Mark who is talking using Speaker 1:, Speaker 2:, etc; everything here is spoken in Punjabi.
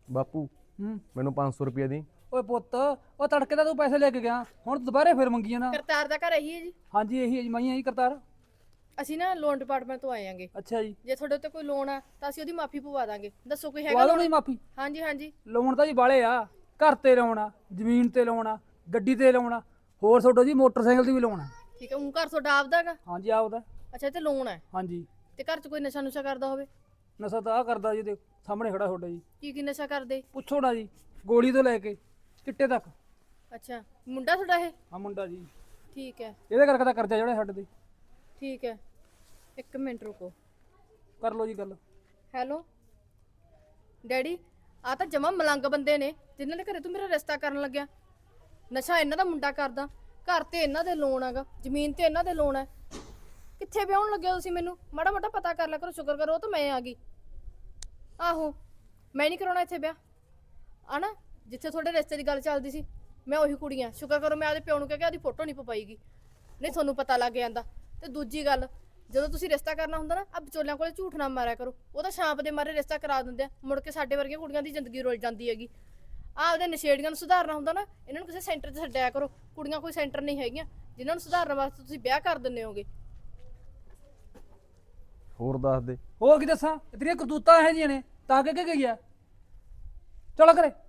Speaker 1: ਬਾਪੂ ਮੈਨੂੰ 500 ਰੁਪਏ ਦੀ।
Speaker 2: ਓਏ ਪੁੱਤ ਉਹ ਤੜਕੇ ਤਾਂ ਤੂੰ ਪੈਸੇ ਲੈ ਕੇ ਗਿਆ, ਹੁਣ ਦੁਬਾਰੇ ਫਿਰ ਮੰਗੀ ਜਾਣਾ।
Speaker 3: ਕਰਤਾਰ ਦਾ ਘਰ ਇਹੀ ਹੈ ਜੀ?
Speaker 2: ਹਾਂਜੀ ਇਹੀ ਹੈ ਜੀ, ਮੈਂ ਹੀ ਕਰਤਾਰ।
Speaker 3: ਅਸੀਂ ਨਾ ਲੋਨ ਡਿਪਾਰਟਮੈਂਟ ਤੋਂ ਆਏ ਆਂਗੇ।
Speaker 2: ਅੱਛਾ ਜੀ,
Speaker 3: ਜੇ ਤੁਹਾਡੇ ਉੱਤੇ ਕੋਈ ਲੋਨ ਆ ਤਾਂ ਅਸੀਂ ਉਹਦੀ ਮਾਫੀ ਪਵਾ ਦਾਂਗੇ। ਦੱਸੋ ਕੋਈ ਹੈਗਾ
Speaker 2: ਪਵਾ
Speaker 3: ਲੋਨ?
Speaker 2: ਨਹੀਂ ਮਾਫੀ?
Speaker 3: ਹਾਂਜੀ ਹਾਂਜੀ।
Speaker 2: ਲੋਨ ਤਾਂ ਜੀ ਬਾਲੇ ਆ, ਘਰ ਤੇ ਲਾਉਣਾ, ਜ਼ਮੀਨ ਤੇ ਲਾਉਣਾ, ਗੱਡੀ ਤੇ ਲਾਉਣਾ, ਹੋਰ ਤੁਹਾਡਾ ਜੀ ਮੋਟਰਸਾਈਕਲ ਤੇ ਵੀ ਲਾਉਣਾ।
Speaker 3: ਠੀਕ ਹੈ, ਉਹ ਘਰ ਤੁਹਾਡਾ ਆਪਦਾ ਹੈਗਾ?
Speaker 2: ਹਾਂਜੀ ਆਪਦਾ।
Speaker 3: ਅੱਛਾ, ਤੇ ਲੋਨ ਹੈ?
Speaker 2: ਹਾਂਜੀ।
Speaker 3: ਤੇ ਘਰ 'ਚ ਕੋਈ ਨਸ਼ਾ ਨੁਸ਼ਾ ਕਰਦਾ ਹੋਵੇ?
Speaker 2: ਨਸ਼ਾ ਤਾਂ ਆ ਕਰਦਾ ਜੀ, ਦੇ ਸਾਹਮਣੇ ਖੜਾ ਤੁਹਾਡਾ ਜੀ।
Speaker 3: ਕੀ ਨਸ਼ਾ ਕਰਦੇ?
Speaker 2: ਪੁੱਛੋ ਨਾ ਜੀ, ਗੋਲੀ ਤੋਂ ਲੈ ਕੇ ਚਿੱਟੇ ਤੱਕ।
Speaker 3: ਅੱਛਾ, ਮੁੰਡਾ ਤੁਹਾਡਾ ਇਹ?
Speaker 2: ਹਾਂ ਮੁੰਡਾ ਜੀ।
Speaker 3: ਠੀਕ ਹੈ,
Speaker 2: ਇਹਦੇ ਕਰਕੇ ਤਾਂ ਕਰਜ਼ਾ ਜਿਹੜਾ ਸਾਡੇ ਤੇ।
Speaker 3: ਠੀਕ ਹੈ, ਇੱਕ ਮਿੰਟ ਰੁਕੋ।
Speaker 2: ਕਰ ਲਓ ਜੀ ਗੱਲ।
Speaker 3: ਹੈਲੋ ਡੈਡੀ, ਆ ਤਾਂ ਜਮਾ ਮਲੰਗ ਬੰਦੇ ਨੇ ਜਿਨ੍ਹਾਂ ਦੇ ਘਰੇ ਤੂੰ ਮੇਰਾ ਰਿਸ਼ਤਾ ਕਰਨ ਲੱਗਿਆ। ਨਸ਼ਾ ਇਹਨਾਂ ਦਾ ਮੁੰਡਾ ਕਰਦਾ, ਘਰ ਤੇ ਇਹਨਾਂ ਦੇ ਲੋਨ ਹੈਗਾ, ਜ਼ਮੀਨ ਤੇ ਇਹਨਾਂ ਦੇ ਲੋਨ ਹੈ। ਕਿੱਥੇ ਵਿਆਹਣ ਲੱਗਿਆ ਤੁਸੀਂ? ਮੈਨੂੰ ਮਾੜਾ ਮੋਟਾ ਪਤਾ ਕਰ ਲਿਆ ਕਰੋ, ਸ਼ੁਕਰ ਕਰੋ ਤਾਂ ਮੈਂ ਆ ਗਈ। ਆਹੋ, ਮੈਂ ਨਹੀਂ ਕਰਾਉਣਾ ਇੱਥੇ ਵਿਆਹ। ਆ ਨਾ ਜਿੱਥੇ ਤੁਹਾਡੇ ਰਿਸ਼ਤੇ ਦੀ ਗੱਲ ਚੱਲਦੀ ਸੀ, ਮੈਂ ਉਹੀ ਕੁੜੀਆਂ। ਸ਼ੁਕਰ ਕਰੋ ਮੈਂ ਆਪਦੇ ਪਿਓ ਨੂੰ ਕਹਿ ਕੇ ਉਹਦੀ ਫੋਟੋ ਨਹੀਂ ਪਵਾਈਗੀ, ਨਹੀਂ ਤੁਹਾਨੂੰ ਪਤਾ ਲੱਗ ਜਾਂਦਾ। ਤੇ ਦੂਜੀ ਗੱਲ, ਜਦੋਂ ਤੁਸੀਂ ਰਿਸ਼ਤਾ ਕਰਨਾ ਹੁੰਦਾ ਨਾ, ਆ ਵਿਚੋਲਿਆਂ ਕੋਲੇ ਝੂਠ ਨਾ ਮਾਰਿਆ ਕਰੋ। ਉਹ ਤਾਂ ਛਾਂਪ ਦੇ ਮਾਰੇ ਰਿਸ਼ਤਾ ਕਰਾ ਦਿੰਦੇ ਆ, ਮੁੜ ਕੇ ਸਾਡੇ ਵਰਗੀਆਂ ਕੁੜੀਆਂ ਦੀ ਜ਼ਿੰਦਗੀ ਰੁਲ ਜਾਂਦੀ ਹੈਗੀ। ਆਪਦੇ ਨਸ਼ੇੜੀਆਂ ਨੂੰ ਸੁਧਾਰਨਾ ਹੁੰਦਾ ਨਾ, ਇਹਨਾਂ ਨੂੰ ਕਿਸੇ ਸੈਂਟਰ 'ਚ ਛੱਡਿਆ ਕਰੋ। ਕੁੜੀਆਂ ਕੋਈ ਸੈਂਟਰ ਨਹੀਂ ਹੈਗੀਆਂ ਜਿਨ੍ਹਾਂ ਨੂੰ ਸੁਧਾਰਨ ਵਾਸਤੇ ਤੁਸੀਂ ਵਿਆਹ ਕਰ ਦਿੰਦੇ ਹੋਗੇ।
Speaker 1: ਹੋਰ ਦੱਸ ਦੇ।
Speaker 2: ਹੋਰ ਕੀ ਦੱਸਾਂ, ਤੇਰੀਆਂ ਕਰਤੂਤਾਂ ਇਹੋ ਜਿਹੀਆਂ ਨੇ ਤਾਂ ਕਿ ਗਈ ਆ। ਚਲੋ ਕਰੇ।